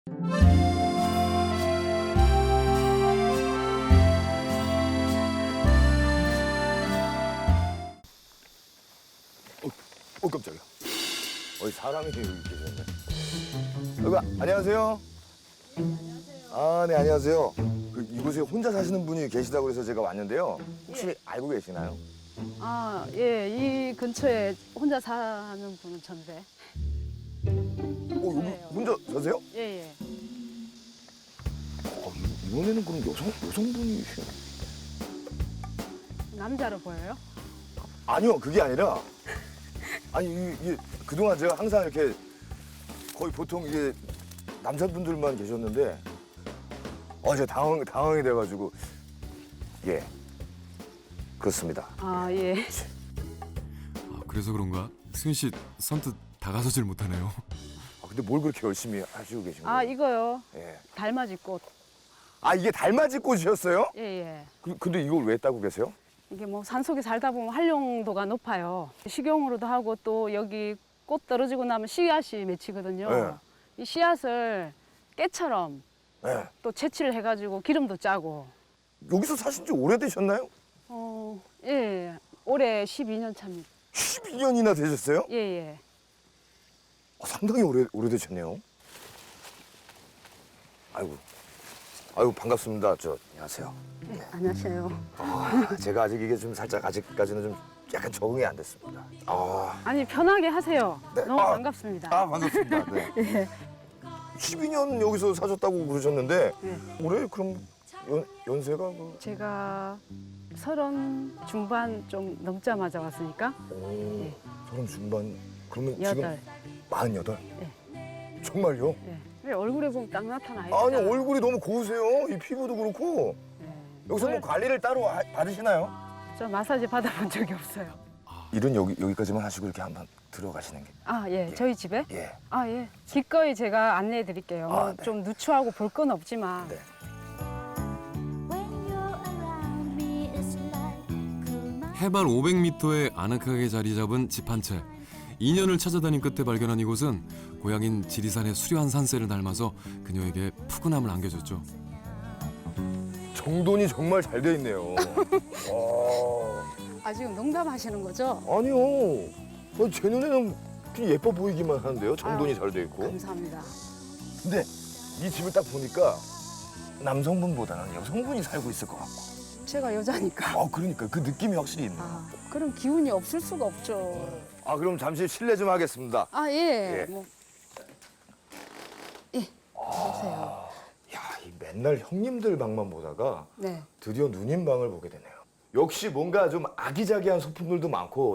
깜짝이야. 사람이 여기 계셨네. 안녕하세요. 아, 네, 안녕하세요. 이곳에 혼자 사시는 분이 계시다고 해서 제가 왔는데요. 혹시 예. 알고 계시나요? 아, 예, 이 근처에 혼자 사는 분은 전데. 여기 그래요. 혼자 사세요? 예, 예. 이번에는 그럼 여성분이시요? 남자로 보여요? 아니요, 그게 아니라. 아니, 이게 그동안 제가 항상 이렇게 거의 보통 이게 남자분들만 계셨는데, 제가 당황이 돼가지고. 예. 그렇습니다. 아, 예. 그래서 그런가? 수현 씨 선뜻 다가서질 못하네요. 근데 뭘 그렇게 열심히 하시고 계신 거예요? 아, 이거요. 예. 달맞이 꽃. 아, 이게 달맞이 꽃이셨어요? 예, 예. 근데 이걸 왜 따고 계세요? 이게 뭐 산속에 살다 보면 활용도가 높아요. 식용으로도 하고 또 여기 꽃 떨어지고 나면 씨앗이 맺히거든요. 네. 이 씨앗을 깨처럼 예. 또 채취를 해가지고 기름도 짜고. 여기서 사신 지 오래되셨나요? 예. 올해 12년 차입니다. 12년이나 되셨어요? 예, 예. 상당히 오래되셨네요. 아이고, 반갑습니다. 안녕하세요. 네, 안녕하세요. 제가 아직 이게 좀 살짝 아직까지는 좀 약간 적응이 안 됐습니다. 아니, 편하게 하세요. 네. 너무 반갑습니다. 반갑습니다. 네. 예. 12년 여기서 사셨다고 그러셨는데 네. 올해 그럼 연세가 제가 30 중반 좀 넘자마자 왔으니까 오, 30 중반. 그러면 여덟. 지금 48? 네. 정말요? 예. 왜 얼굴에 보면 딱 나타나요. 아니, 얼굴이 너무 고우세요. 이 피부도 그렇고. 여기서 뭐 관리를 따로 받으시나요? 저 마사지 받아본 적이 없어요. 일은 여기까지만 하시고 이렇게 한번 들어가시는 게. 아, 예. 저희 집에? 예. 아, 예. 기꺼이 제가 안내해 드릴게요. 뭐 네. 좀 누추하고 볼 건 없지만. 네. 해발 500m에 아늑하게 자리 잡은 집 한 채. 2년을 찾아다닌 끝에 발견한 이곳은 고향인 지리산의 수려한 산세를 닮아서 그녀에게 푸근함을 안겨줬죠. 정돈이 정말 잘 돼 있네요. 아, 지금 농담하시는 거죠? 아니요. 제 눈에는 그냥 예뻐 보이기만 하는데요. 정돈이 아유, 잘 돼 있고. 감사합니다. 근데 이 집을 딱 보니까 남성분보다는 여성분이 살고 있을 것 같고. 제가 여자니까. 그러니까 그 느낌이 확실히 있네요. 아, 그럼 기운이 없을 수가 없죠. 그럼 잠시 실례 좀 하겠습니다. 아, 예. 예. 뭐. 예. 보세요. 야, 이 맨날 형님들 방만 보다가 네. 드디어 누님 방을 보게 되네요. 역시 뭔가 좀 아기자기한 소품들도 많고.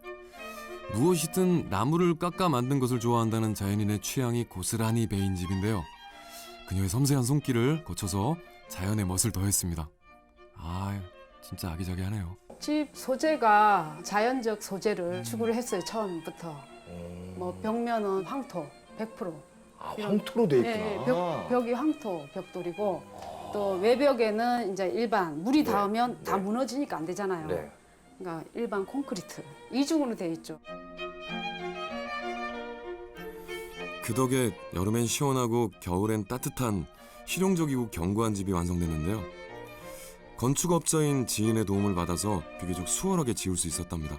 무엇이든 나무를 깎아 만든 것을 좋아한다는 자연인의 취향이 고스란히 배인 집인데요. 그녀의 섬세한 손길을 거쳐서 자연의 멋을 더했습니다. 진짜 아기자기하네요. 집 소재가 자연적 소재를 추구를 했어요, 처음부터. 뭐 벽면은 황토 100%. 황토로 돼 있구나. 예, 벽이 황토 벽돌이고 또 외벽에는 이제 일반 물이 네, 닿으면 다 네. 무너지니까 안 되잖아요. 네. 그러니까 일반 콘크리트 이중으로 돼 있죠. 그 덕에 여름엔 시원하고 겨울엔 따뜻한 실용적이고 견고한 집이 완성됐는데요. 건축업자인 지인의 도움을 받아서 비교적 수월하게 지을 수 있었답니다.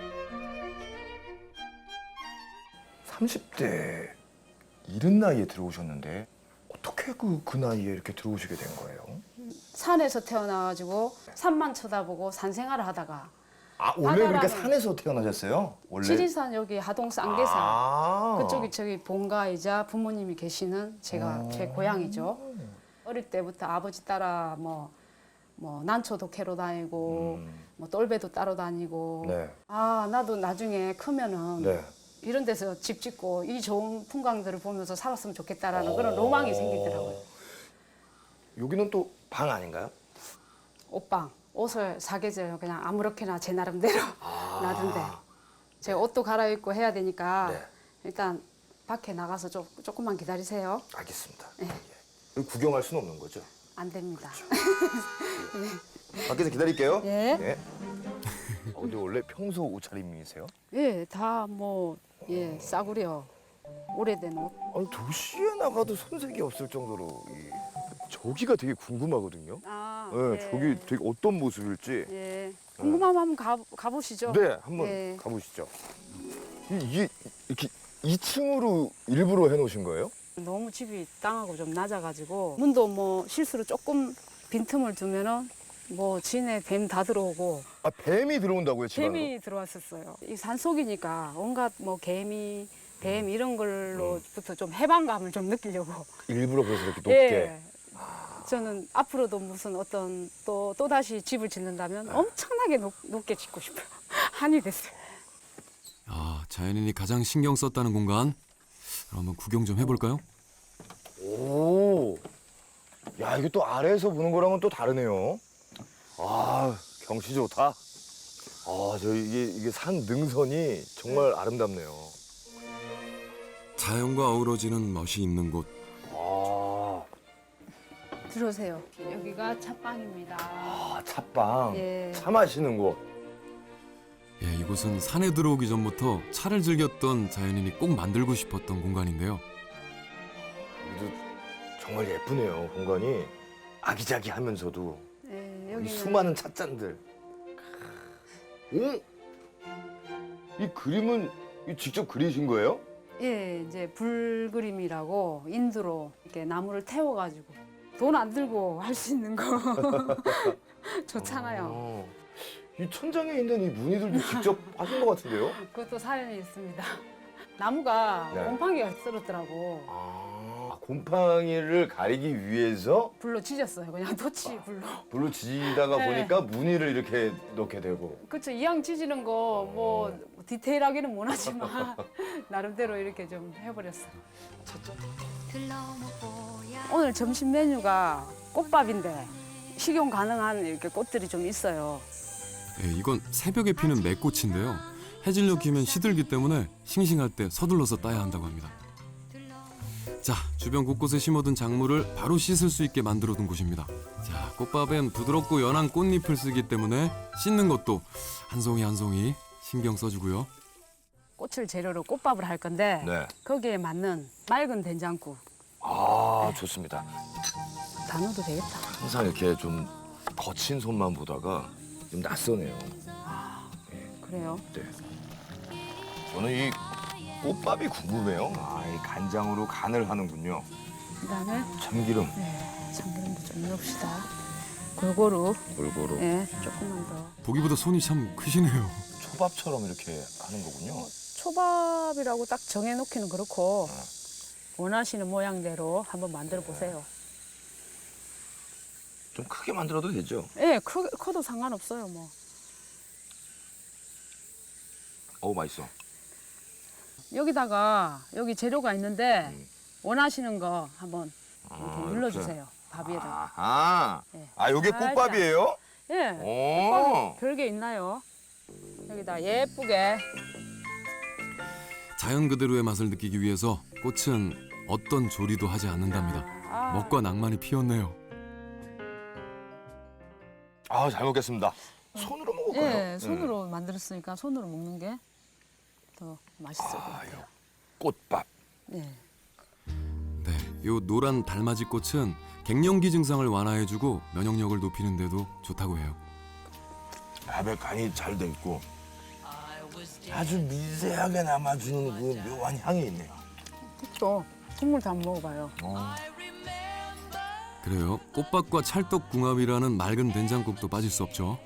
30대 이른 나이에 들어오셨는데 어떻게 그 나이에 이렇게 들어오시게 된 거예요? 산에서 태어나가지고 산만 쳐다보고 산 생활을 하다가 원래 그렇게 바다라는- 산에서 태어나셨어요? 원래? 지리산 여기 하동 쌍계산 그쪽이 저기 본가이자 부모님이 계시는 제 고향이죠. 어릴 때부터 아버지 따라 뭐 난초도 캐러 다니고 뭐 똘배도 따러 다니고 네. 나도 나중에 크면은 네. 이런 데서 집 짓고 이 좋은 풍광들을 보면서 살았으면 좋겠다라는 그런 로망이 생기더라고요. 여기는 또 방 아닌가요? 옷방, 옷을 사계절 그냥 아무렇게나 제 나름대로 놔둔데 제가 옷도 갈아입고 해야 되니까 네. 일단 밖에 나가서 조금만 기다리세요. 알겠습니다. 예. 구경할 수는 없는 거죠? 안 됩니다. 밖에서 기다릴게요. 예. 근데 원래 평소 옷차림이세요? 예, 다 싸구려. 오래된 옷. 아니, 도시에 나가도 손색이 없을 정도로 저기가 되게 궁금하거든요. 아, 네, 저기 되게 어떤 모습일지. 예. 궁금하면 한번 가보시죠. 네, 한번 네. 가보시죠. 이게 이렇게 2층으로 일부러 해놓으신 거예요? 너무 집이 땅하고 좀 낮아가지고 문도 뭐 실수로 조금 빈틈을 두면은 뭐 진에 뱀 다 들어오고 아, 뱀이 들어온다고요, 집 안으로? 뱀이 들어왔었어요. 이 산속이니까 온갖 뭐 개미, 뱀 이런 걸로부터 좀 해방감을 좀 느끼려고. 일부러 그래서 이렇게 높게. 예. 저는 앞으로도 무슨 어떤 또 다시 집을 짓는다면 엄청나게 높게 짓고 싶어요. 한이 됐어요. 아, 자연인이 가장 신경 썼다는 공간. 그럼 한번 구경 좀 해볼까요? 오, 야, 이게 또 아래에서 보는 거랑은 또 다르네요. 아, 경치 좋다. 아, 이게 산 능선이 정말 아름답네요. 자연과 어우러지는 멋이 있는 곳. 아, 들어오세요. 여기가 찻방입니다. 찻방. 예. 차 마시는 곳. 예, 이곳은 산에 들어오기 전부터 차를 즐겼던 자연인이 꼭 만들고 싶었던 공간인데요. 여기도 정말 예쁘네요, 공간이. 아기자기하면서도 예, 이 여기는 수많은 찻잔들. 오? 이 그림은 직접 그리신 거예요? 예, 이제 불그림이라고 인두로 이렇게 나무를 태워가지고 돈 안 들고 할 수 있는 거 좋잖아요. 어, 이 천장에 있는 이 무늬들도 직접 하신 것 같은데요? 그것도 사연이 있습니다. 나무가 네. 곰팡이가 쓸었더라고. 아, 곰팡이를 가리기 위해서 불로 지졌어요. 그냥 토치 불로. 불로 지다가 네. 보니까 무늬를 이렇게 넣게 되고. 그렇죠. 이왕 지지는 거 뭐 디테일하게는 못하지만 나름대로 이렇게 좀 해버렸어요. 오늘 점심 메뉴가 꽃밥인데 식용 가능한 이렇게 꽃들이 좀 있어요. 예, 이건 새벽에 피는 매꽃인데요. 해질녘 기면 시들기 때문에 싱싱할 때 서둘러서 따야 한다고 합니다. 자, 주변 곳곳에 심어둔 작물을 바로 씻을 수 있게 만들어둔 곳입니다. 자, 꽃밥엔 부드럽고 연한 꽃잎을 쓰기 때문에 씻는 것도 한 송이 한 송이 신경 써주고요. 꽃을 재료로 꽃밥을 할 건데 네. 거기에 맞는 맑은 된장국 아, 좋습니다. 다 넣어도 되겠다. 항상 이렇게 좀 거친 손만 보다가 좀 낯서네요. 그래요. 네. 저는 이 꽃밥이 궁금해요. 아, 이 간장으로 간을 하는군요. 그다음에 참기름 참기름도 좀 넣읍시다. 골고루. 골고루. 예, 조금만 더. 보기보다 손이 참 크시네요. 초밥처럼 이렇게 하는 거군요. 초밥이라고 딱 정해놓기는 그렇고 원하시는 모양대로 한번 만들어 보세요. 좀 크게 만들어도 되죠? 예, 커도 상관없어요, 뭐. 어우, 맛있어. 여기다가 여기 재료가 있는데 원하시는 거 한번 이렇게 아, 눌러주세요. 밥 위에다가. 아하. 네. 아, 요게 살짝. 꽃밥이에요? 예. 오. 별게 있나요? 여기다 예쁘게. 자연 그대로의 맛을 느끼기 위해서 꽃은 어떤 조리도 하지 않는답니다. 아, 먹과 낭만이 피었네요. 아, 잘 먹겠습니다. 손으로 먹을까요? 예, 손으로 만들었으니까 손으로 먹는 게 더 맛있을 것 같아요. 꽃밥. 네. 네, 요 노란 달맞이 꽃은 갱년기 증상을 완화해주고 면역력을 높이는 데도 좋다고 해요. 밥에 간이 잘 돼 있고 아주 미세하게 남아주는 그 묘한 향이 있네요. 또 국물 다 먹어봐요. 그래요, 꽃밥과 찰떡궁합이라는 맑은 된장국도 빠질 수 없죠.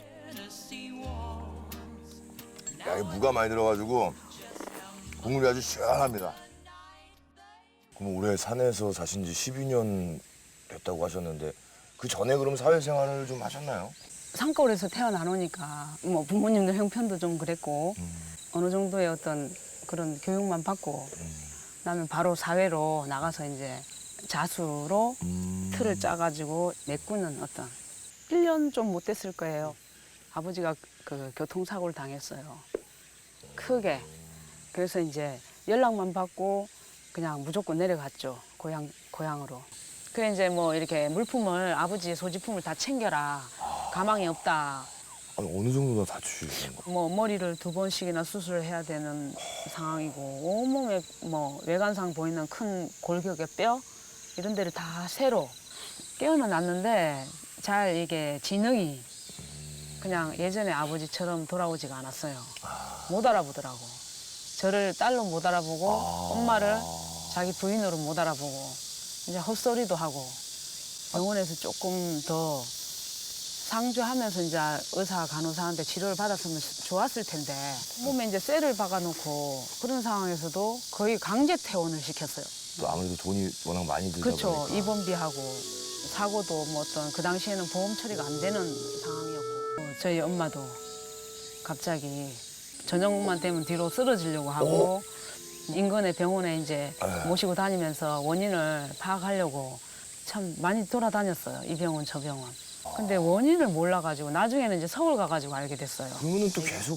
야, 이 무가 많이 들어가지고 국물이 아주 시원합니다. 그럼 올해 산에서 사신 지 12년 됐다고 하셨는데 그 전에 그럼 사회생활을 좀 하셨나요? 산골에서 태어나노니까 뭐 부모님들 형편도 좀 그랬고 어느 정도의 어떤 그런 교육만 받고 그다음에 바로 사회로 나가서 이제 자수로 틀을 짜가지고 메꾸는 어떤 1년 좀 못 됐을 거예요. 아버지가 그 교통사고를 당했어요. 크게. 그래서 이제 연락만 받고 그냥 무조건 내려갔죠. 고향으로. 그래 이제 뭐 이렇게 물품을 아버지의 소지품을 다 챙겨라. 가망이 없다. 아니, 어느 정도나 다치신 거예요? 뭐 머리를 2번씩이나 수술을 해야 되는 상황이고 온몸에 뭐 외관상 보이는 큰 골격의 뼈 이런 데를 다 새로 깨어는 놨는데 잘 이게 지능이 그냥 예전에 아버지처럼 돌아오지가 않았어요. 못 알아보더라고. 저를 딸로 못 알아보고 엄마를 자기 부인으로 못 알아보고 이제 헛소리도 하고 병원에서 조금 더 상주하면서 이제 의사 간호사한테 치료를 받았으면 좋았을 텐데 몸에 이제 쇠를 박아놓고 그런 상황에서도 거의 강제 퇴원을 시켰어요. 또 아무래도 돈이 워낙 많이 들다 그렇죠. 보니까. 입원비하고 사고도 뭐 어떤 그 당시에는 보험 처리가 안 되는 상황이었고 저희 엄마도 갑자기 저녁만 되면 뒤로 쓰러지려고 하고 인근의 병원에 이제 모시고 다니면서 원인을 파악하려고 참 많이 돌아다녔어요. 이 병원 저 병원. 근데 원인을 몰라가지고 나중에는 이제 서울 가가지고 알게 됐어요. 그러면은 또 계속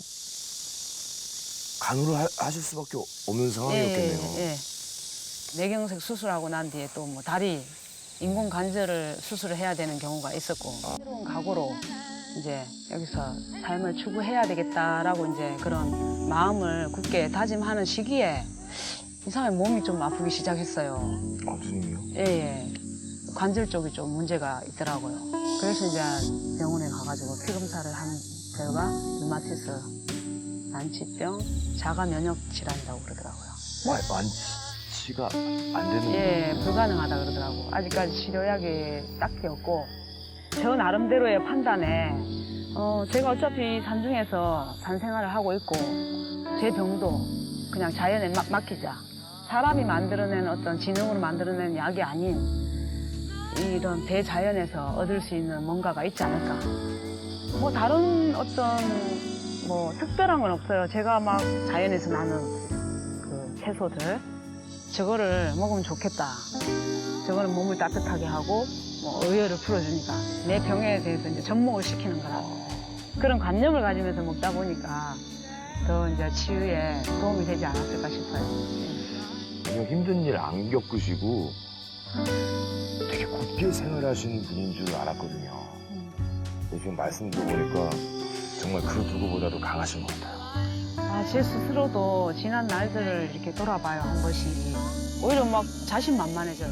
간호를 하실 수밖에 없는 상황이었겠네요. 예. 뇌경색 수술하고 난 뒤에 또 뭐 다리 인공 관절을 수술을 해야 되는 경우가 있었고 새로운 각오로 이제 여기서 삶을 추구해야 되겠다라고 이제 그런 마음을 굳게 다짐하는 시기에 이상하게 몸이 좀 아프기 시작했어요. 무슨 일이요? 예. 관절 쪽이 좀 문제가 있더라고요. 그래서 이제 병원에 가가지고 피 검사를 한 결과 류마티스, 난치병, 자가 면역 질환이라고 그러더라고요. 완치가 안 되는 예, 불가능하다 그러더라고. 아직까지 치료약이 딱히 없고 저 나름대로의 판단에 제가 어차피 산중에서 산생활을 하고 있고 제 병도 그냥 자연에 맡기자. 사람이 만들어낸 어떤 지능으로 만들어낸 약이 아닌 이런 대자연에서 얻을 수 있는 뭔가가 있지 않을까. 뭐 다른 어떤 뭐 특별한 건 없어요. 제가 막 자연에서 나는 그 채소들 저거를 먹으면 좋겠다. 저거는 몸을 따뜻하게 하고 뭐 의열을 풀어주니까 내 병에 대해서 이제 접목을 시키는 거라. 그런 관념을 가지면서 먹다 보니까 더 이제 치유에 도움이 되지 않았을까 싶어요. 전혀 힘든 일 안 겪으시고 되게 굳게 생활하시는 분인 줄 알았거든요. 근데 지금 말씀 들어보니까 정말 그 누구보다도 강하신 것 같아요. 제 스스로도 지난 날들을 이렇게 돌아봐요, 한 번씩. 오히려 막 자신만만해져요.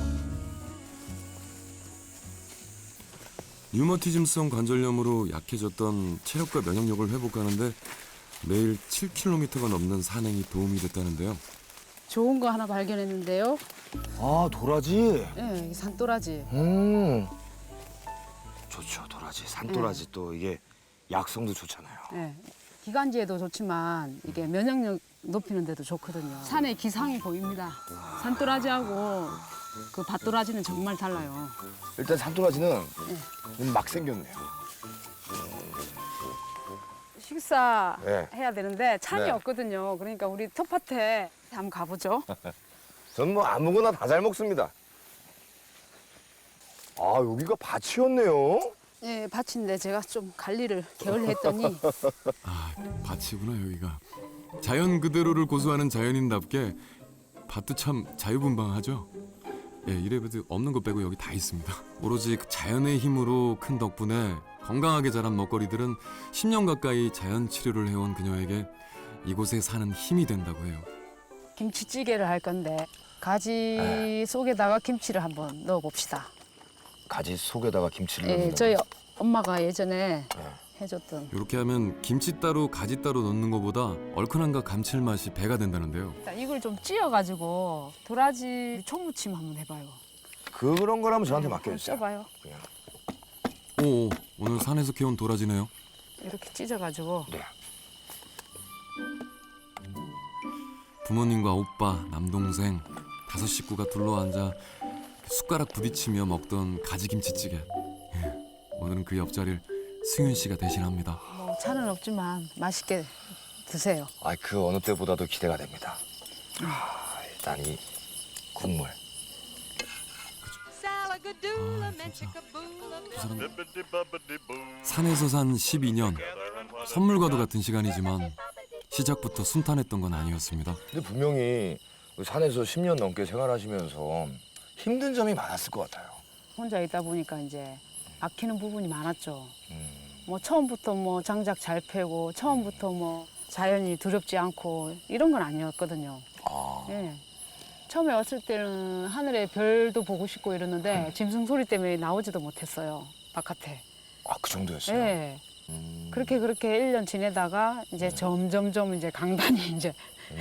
류머티즘성 관절염으로 약해졌던 체력과 면역력을 회복하는데 매일 7km가 넘는 산행이 도움이 됐다는데요. 좋은 거 하나 발견했는데요. 아, 도라지? 예, 이 산도라지. 좋죠, 도라지. 산도라지 또 이게 약성도 좋잖아요. 예. 기관지에도 좋지만 이게 면역력 높이는 데도 좋거든요. 산에 기상이 보입니다. 산도라지하고 그 밭도라지는 정말 달라요. 일단 산도라지는 막 생겼네요. 식사 네. 해야 되는데 찬이 네. 없거든요. 그러니까 우리 텃밭에 한번 가보죠. 전 뭐 아무거나 다 잘 먹습니다. 아, 여기가 밭이었네요. 예, 밭인데 제가 좀 관리를 게을리했더니 아, 밭이구나 여기가. 자연 그대로를 고수하는 자연인답게 밭도 참 자유분방하죠. 예, 이래봬도 없는 것 빼고 여기 다 있습니다. 오로지 그 자연의 힘으로 큰 덕분에 건강하게 자란 먹거리들은 10년 가까이 자연 치료를 해온 그녀에게 이곳에 사는 힘이 된다고 해요. 김치찌개를 할 건데 가지 속에다가 김치를 한번 넣어봅시다. 가지 속에다가 김치를 예, 넣는 저희 엄마가 예전에 해줬던. 이렇게 하면 김치 따로 가지 따로 넣는 것보다 얼큰함과 감칠맛이 배가 된다는데요. 자, 이걸 좀 찧어가지고 도라지 초무침 한번 해봐요. 그런 거라면 저한테 한번 맡겨주세요. 쪄봐요. 그냥. 오, 오늘 산에서 키운 도라지네요. 이렇게 찢어가지고 네. 부모님과 오빠, 남동생 5 식구가 둘러앉아 숟가락 부딪히며 먹던 가지김치찌개. 예, 오늘은 그 옆자리를 승윤 씨가 대신합니다. 뭐 차는 없지만 맛있게 드세요. 아, 그 어느 때보다도 기대가 됩니다. 일단 이 국물. 산에서 산 12년. 선물과도 같은 시간이지만 시작부터 순탄했던 건 아니었습니다. 근데 분명히 산에서 10년 넘게 생활하시면서 힘든 점이 많았을 것 같아요. 혼자 있다 보니까 이제 막히는 부분이 많았죠. 뭐 처음부터 뭐 장작 잘 패고 처음부터 뭐 자연이 두렵지 않고 이런 건 아니었거든요. 아, 예. 처음에 왔을 때는 하늘에 별도 보고 싶고 이러는데 짐승 소리 때문에 나오지도 못했어요. 바깥에. 그 정도였어요. 예. 그렇게 1년 지내다가 이제 점점점 이제 강단이 이제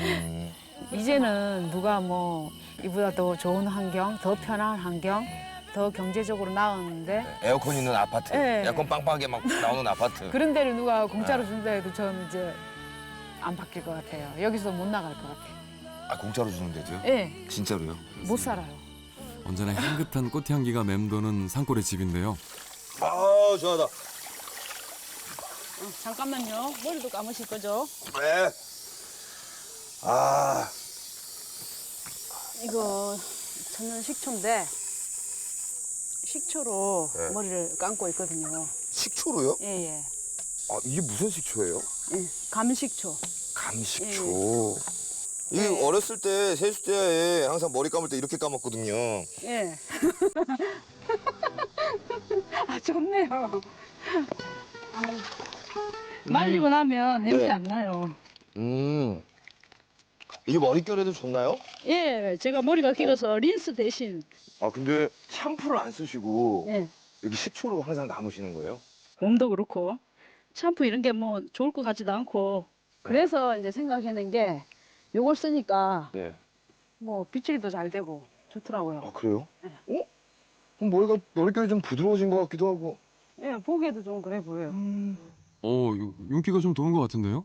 이제는 누가 뭐 이보다 더 좋은 환경, 더 편한 환경, 더 경제적으로 나았는데 에어컨 있는 아파트, 네. 에어컨 빵빵하게 막 나오는 아파트. 그런 데를 누가 공짜로 준다 해도 저는 이제 안 바뀔 것 같아요. 여기서 못 나갈 것 같아요. 공짜로 주는데도요? 예, 진짜로요? 못 살아요. 언제나 향긋한 꽃향기가 맴도는 산골의 집인데요. 아, 좋아하다. 잠깐만요. 머리도 감으실 거죠? 네. 아, 이거 천연 식초인데 식초로 네. 머리를 감고 있거든요. 식초로요? 예, 예. 이게 무슨 식초예요? 예, 감식초. 감식초. 이게 네. 어렸을 때 세숫대야에 항상 머리 감을 때 이렇게 감았거든요. 예. 아, 좋네요. 말리고 나면 냄새 안 나요. 이게 머릿결에도 좋나요? 예, 제가 머리가 길어서 린스 대신 근데 샴푸를 안 쓰시고 예, 여기 식초로 항상 감으시는 거예요? 몸도 그렇고 샴푸 이런 게 뭐 좋을 것 같지도 않고 그래서 이제 생각해낸 게 요걸 쓰니까 네. 뭐 빗질도 잘 되고 좋더라고요. 그래요? 그럼 머릿결이 좀 부드러워진 것 같기도 하고. 예, 보기에도 좀 그래 보여요. 이거 윤기가 좀 도는 것 같은데요?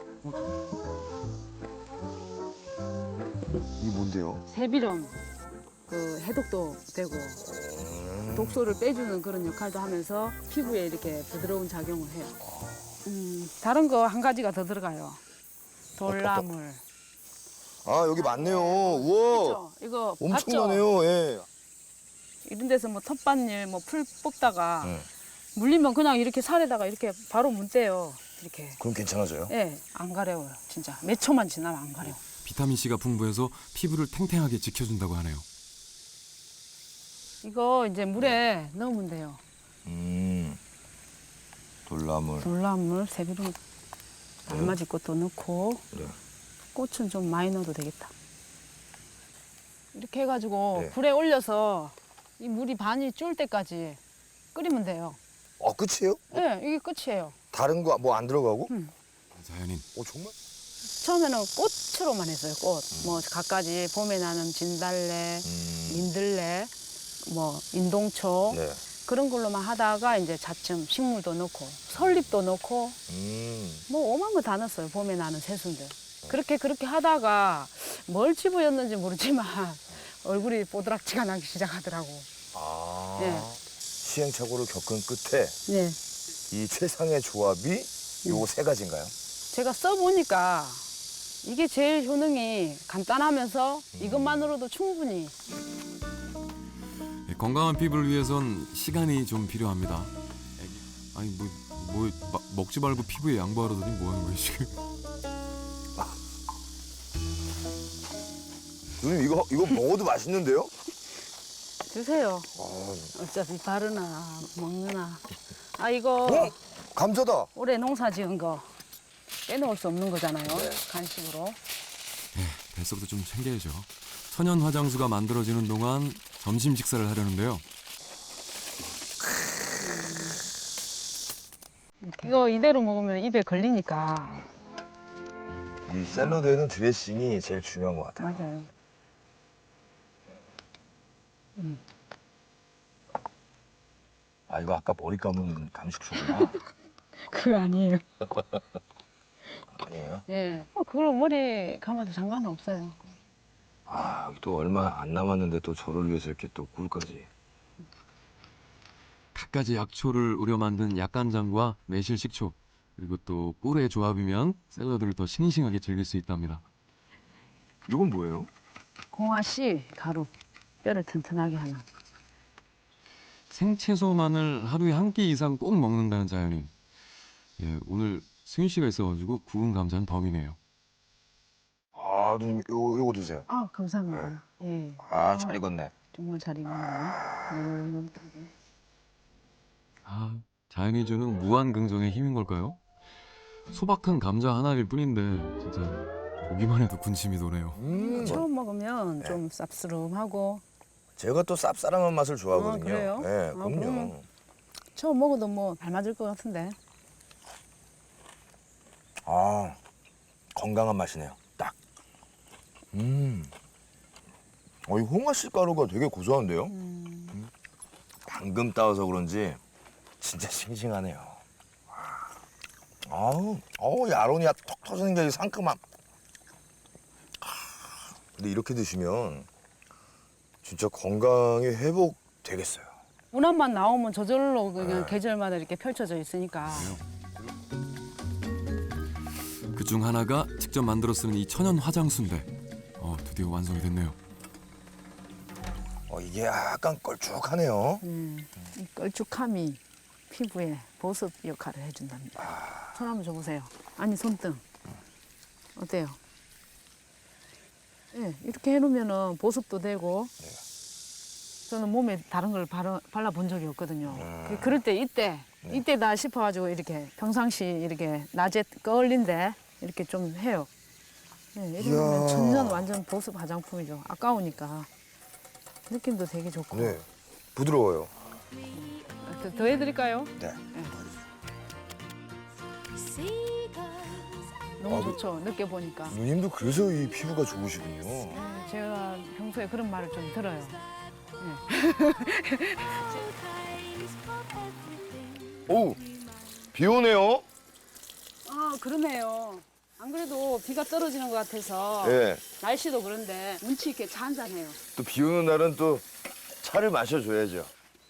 이게 뭔데요? 세비름 그 해독도 되고 독소를 빼주는 그런 역할도 하면서 피부에 이렇게 부드러운 작용을 해요. 다른 거 한 가지가 더 들어가요. 돌나물. 여기 많네요. 우와. 그렇죠? 이거 봤죠? 엄청나네요. 예. 이런 데서 뭐 텃밭일 뭐 풀 뽑다가 네. 물리면 그냥 이렇게 살에다가 이렇게 바로 문대요. 이렇게. 그럼 괜찮아져요? 예, 안 가려워요. 진짜 몇 초만 지나면 안 가려워. 비타민 C가 풍부해서 피부를 탱탱하게 지켜준다고 하네요. 이거 이제 물에 넣으면 돼요. 돌나물. 돌나물, 세비름, 알맞이 꽃도 넣고 네. 꽃은 좀 많이 넣어도 되겠다. 이렇게 해가지고 네. 불에 올려서 이 물이 반이 쫄 때까지 끓이면 돼요. 끝이에요? 예, 이게 끝이에요. 다른 거 뭐 안 들어가고? 자연인. 정말? 처음에는 꽃으로만 했어요. 꽃. 뭐 갖가지 봄에 나는 진달래, 민들레, 뭐 인동초 네. 그런 걸로만 하다가 이제 차츰 식물도 넣고 설립도 넣고 뭐 오만 거 다 넣었어요. 봄에 나는 새순들. 그렇게 하다가 뭘 집어였는지 모르지만 얼굴이 뽀드락지가 나기 시작하더라고. 네. 시행착오를 겪은 끝에 네. 이 최상의 조합이 요거 세 가지인가요? 제가 써보니까 이게 제일 효능이 간단하면서 이것만으로도 충분히 건강한 피부를 위해선 시간이 좀 필요합니다. 아니 먹지 말고 피부에 양보하려더니 뭐 하는 거예요 지금? 누님 이거 먹어도 맛있는데요? 드세요. 어차피 바르나 먹느나. 이거 감자다. 올해 농사 지은 거 빼놓을 수 없는 거잖아요. 간식으로. 뱃속도 좀 챙겨야죠. 천연 화장수가 만들어지는 동안 점심 식사를 하려는데요. 이거 이대로 먹으면 입에 걸리니까. 이 샐러드에는 드레싱이 제일 중요한 것 같아요. 맞아요. 이거 아까 머리 감은 감식초구나. 그거 아니에요. 아니에요? 예. 그걸 머리 감아도 상관은 없어요. 또 얼마 안 남았는데 또 저를 위해서 이렇게 또 꿀까지. 갖가지 약초를 우려 만든 약간장과 매실 식초 그리고 또 꿀의 조합이면 샐러드를 더 싱싱하게 즐길 수 있답니다. 이건 뭐예요? 공화씨 가루. 뼈를 튼튼하게 하는. 생채소만을 하루에 한 끼 이상 꼭 먹는다는 자연인. 오늘 승윤 씨가 있어가지고 구운 감자는 덤이네요. 누님 요거 드세요. 감사합니다. 예. 잘 익었네. 정말 잘 익었네요. 자 자연이 주는 무한 긍정의 힘인 걸까요? 소박한 감자 하나일 뿐인데 진짜 보기만 해도 군침이 도네요. 처음 먹으면 좀 쌉스름하고 제가 또 쌉싸름한 맛을 좋아하거든요. 그래요? 네, 아, 그럼요. 그러면 처음 먹어도 뭐 잘 맞을 것 같은데. 아, 건강한 맛이네요. 딱. 이 홍아씨 가루가 되게 고소한데요? 방금 따와서 그런지 진짜 싱싱하네요. 아우, 이 아로니아 톡 터지는 게 상큼함. 근데 이렇게 드시면 진짜 건강이 회복되겠어요. 운합만 나오면 저절로 그냥 계절마다 이렇게 펼쳐져 있으니까. 그중 하나가 직접 만들어 쓰는 이 천연 화장수인데 드디어 완성이 됐네요. 이게 약간 걸쭉하네요. 이 걸쭉함이 피부에 보습 역할을 해준답니다. 손 한번 줘보세요. 아니 손등 어때요? 네, 이렇게 해놓으면은 보습도 되고. 저는 몸에 다른 걸 발라본 적이 없거든요. 그럴 때 이때다 싶어가지고 이렇게 평상시 이렇게 낮에 꺼울린데 이렇게 좀 해요. 네, 이러면 이야. 천연 완전 보습 화장품이죠. 아까우니까 느낌도 되게 좋고. 네, 부드러워요. 더 해드릴까요? 네. 너무 좋죠. 늦게 보니까. 누님도 그래서 이 피부가 좋으시군요. 제가 평소에 그런 말을 좀 들어요. 오, 비 오네요. 아 그러네요. 안 그래도 비가 떨어지는 것 같아서 예. 날씨도 그런데 운치 있게 차 한잔해요. 또 비 오는 날은 또 차를 마셔줘야죠.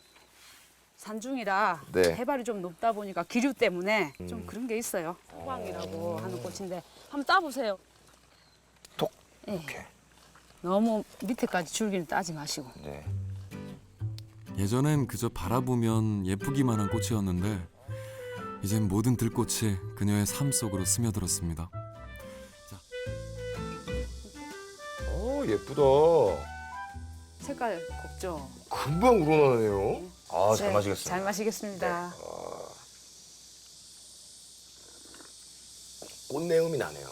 산중이라 네. 해발이 좀 높다 보니까 기류 때문에 좀 그런 게 있어요. 호박이라고 하는 꽃인데 한번 따보세요. 톡. 예. 이렇게. 너무 밑에까지 줄기를 따지 마시고. 네. 예전엔 그저 바라보면 예쁘기만 한 꽃이었는데 이젠 모든 들꽃이 그녀의 삶 속으로 스며들었습니다. 예쁘다. 색깔 곱죠? 금방 우러나네요. 아, 잘 네, 마시겠습니다. 잘 마시겠습니다. 꽃내음이 나네요.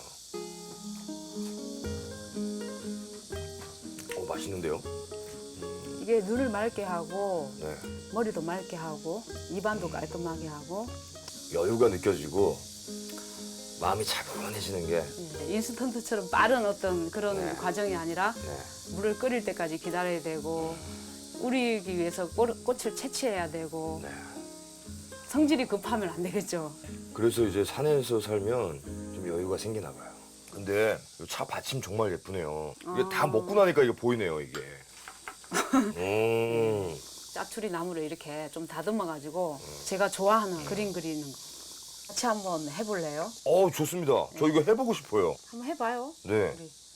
맛있는데요? 이게 눈을 맑게 하고 네. 머리도 맑게 하고 입안도 깔끔하게 하고 여유가 느껴지고 마음이 차분해지는 게. 인스턴트처럼 빠른 어떤 그런 네. 과정이 아니라 네. 물을 끓일 때까지 기다려야 되고 우리기 위해서 꽃을 채취해야 되고 네. 성질이 급하면 안 되겠죠. 그래서 이제 산에서 살면 좀 여유가 생기나 봐요. 근데 이차 받침 정말 예쁘네요. 이게 다 먹고 나니까 이게 보이네요, 이게. 짜투리 나무를 이렇게 좀 다듬어가지고 제가 좋아하는 그림 그리는 거 같이 한번 해볼래요? 좋습니다. 저 이거 해보고 싶어요. 한번 해봐요. 네.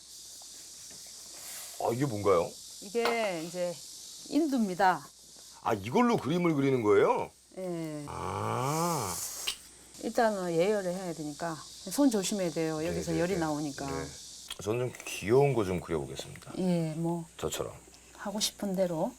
우리. 이게 뭔가요? 이게 이제 인두입니다. 이걸로 그림을 그리는 거예요? 예. 아. 일단은 예열을 해야 되니까 손 조심해야 돼요. 여기서 네, 네, 열이 네. 나오니까. 네. 저는 좀 귀여운 거 좀 그려보겠습니다. 예, 뭐 저처럼. 하고 싶은 대로.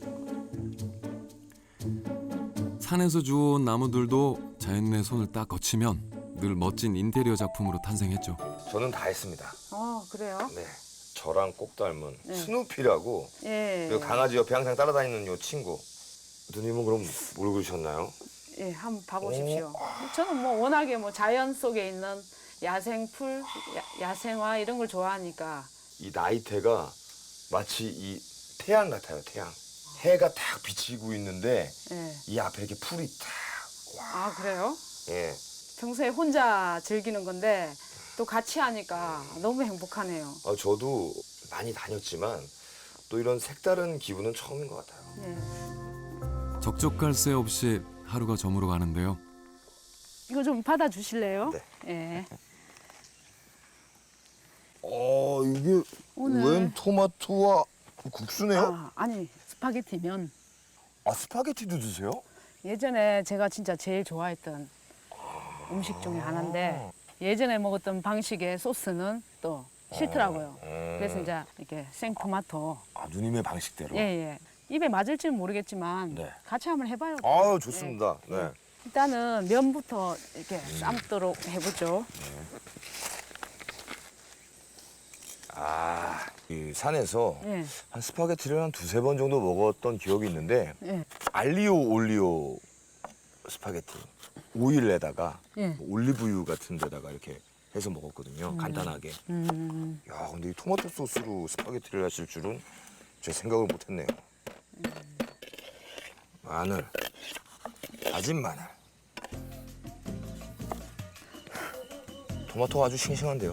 산에서 주워온 나무들도 자연인의 손을 딱 거치면 늘 멋진 인테리어 작품으로 탄생했죠. 저는 다 했습니다. 그래요? 네. 저랑 꼭 닮은 네. 스누피라고 예. 그 강아지 옆에 항상 따라다니는 요 친구. 누님은 그럼 뭘 그리셨나요? 예, 한번 봐보십시오. 저는 뭐 워낙에 뭐 자연 속에 있는 야생풀, 야생화 이런 걸 좋아하니까. 이 나이테가 마치 이 태양 같아요, 태양. 해가 딱 비치고 있는데 예. 이 앞에 이렇게 풀이 딱. 아, 그래요? 예. 평소에 혼자 즐기는 건데 또 같이 하니까 너무 행복하네요. 저도 많이 다녔지만 또 이런 색다른 기분은 처음인 것 같아요. 예. 적적할 새 없이 하루가 저물어 가는데요. 이거 좀 받아주실래요? 네. 예. 이게 오늘- 웬 토마토와 국수네요? 아니 스파게티면 스파게티도 드세요? 예전에 제가 진짜 제일 좋아했던 음식 중에 하나인데 예전에 먹었던 방식의 소스는 또 싫더라고요. 그래서 이제 이렇게 생토마토 누님의 방식대로. 예예 입에 맞을지는 모르겠지만 네. 같이 한번 해봐요. 좋습니다. 네. 일단은 면부터 이렇게 삶도록 해보죠. 아, 이 산에서 예. 한 스파게티를 한 두세 번 정도 먹었던 기억이 있는데 예. 알리오 올리오 스파게티 오일에다가 예. 올리브유 같은 데다가 이렇게 해서 먹었거든요. 간단하게. 야, 근데 이 토마토 소스로 스파게티를 하실 줄은 제 생각을 못했네요. 마늘, 다진 마늘. 토마토가 아주 싱싱한데요.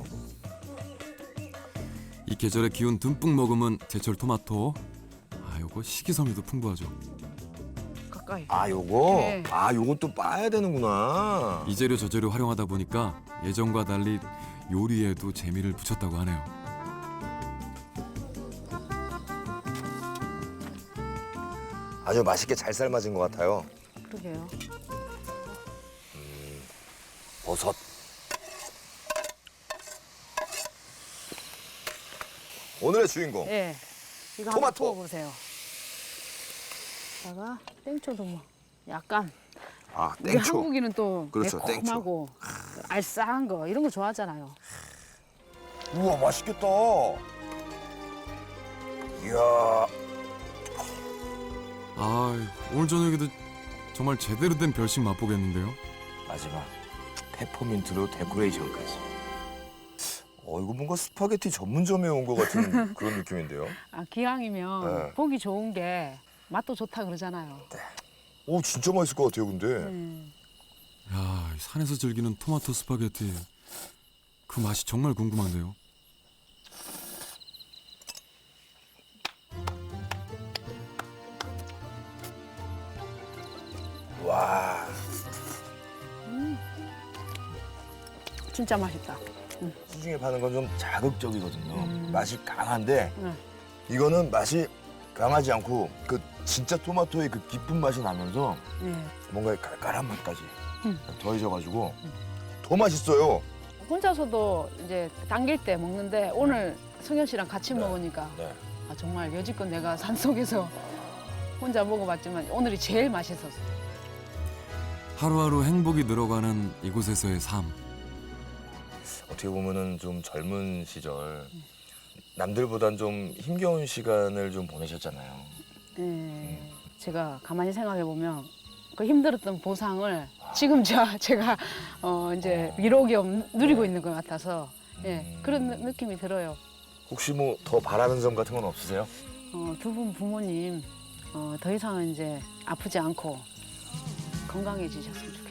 이 계절의 기운 듬뿍 머금은 제철 토마토. 아, 요거 식이섬유도 풍부하죠. 가까이. 아, 요거? 네. 아, 요것도 빠야 되는구나. 이 재료 저 재료 활용하다 보니까 예전과 달리 요리에도 재미를 붙였다고 하네요. 아주 맛있게 잘 삶아진 것 같아요. 그러게요. 버섯. 오늘의 주인공. 예. 이거 한번 토마토. 구워보세요. 다가 땡초도 뭐 약간 아, 우리 땡초. 한국인은 또 그렇죠, 매콤하고 알싸한 거 이런 거 좋아하잖아요. 우와, 맛있겠다. 이야, 아, 오늘 저녁에도 정말 제대로 된 별식 맛보겠는데요. 마지막 페퍼민트로 데코레이션까지. 이거 뭔가 스파게티 전문점에 온 것 같은 그런 느낌인데요. 아, 기왕이면 네. 보기 좋은 게 맛도 좋다 그러잖아요. 오, 진짜 맛있을 것 같아요, 근데. 야, 이 산에서 즐기는 토마토 스파게티. 그 맛이 정말 궁금한데요. 와, 진짜 맛있다. 시중에 파는 건 좀 자극적이거든요. 맛이 강한데 네. 이거는 맛이 강하지 않고 그 진짜 토마토의 그 깊은 맛이 나면서 예. 뭔가 깔깔한 맛까지 더해져가지고 더 맛있어요. 혼자서도 이제 당길 때 먹는데 오늘 승현 씨랑 같이 먹으니까 네. 아, 정말 여지껏 내가 산속에서 혼자 먹어봤지만 오늘이 제일 맛있었어요. 하루하루 행복이 늘어가는 이곳에서의 삶. 어떻게 보면은 좀 젊은 시절 남들보단 좀 힘겨운 시간을 좀 보내셨잖아요. 예. 제가 가만히 생각해 보면 그 힘들었던 보상을 지금 제가 이제 위로 겸 누리고 있는 것 같아서 예, 그런 느낌이 들어요. 혹시 뭐 더 바라는 점 같은 건 없으세요? 두 분 부모님 더 이상은 이제 아프지 않고 건강해지셨으면 좋겠어요.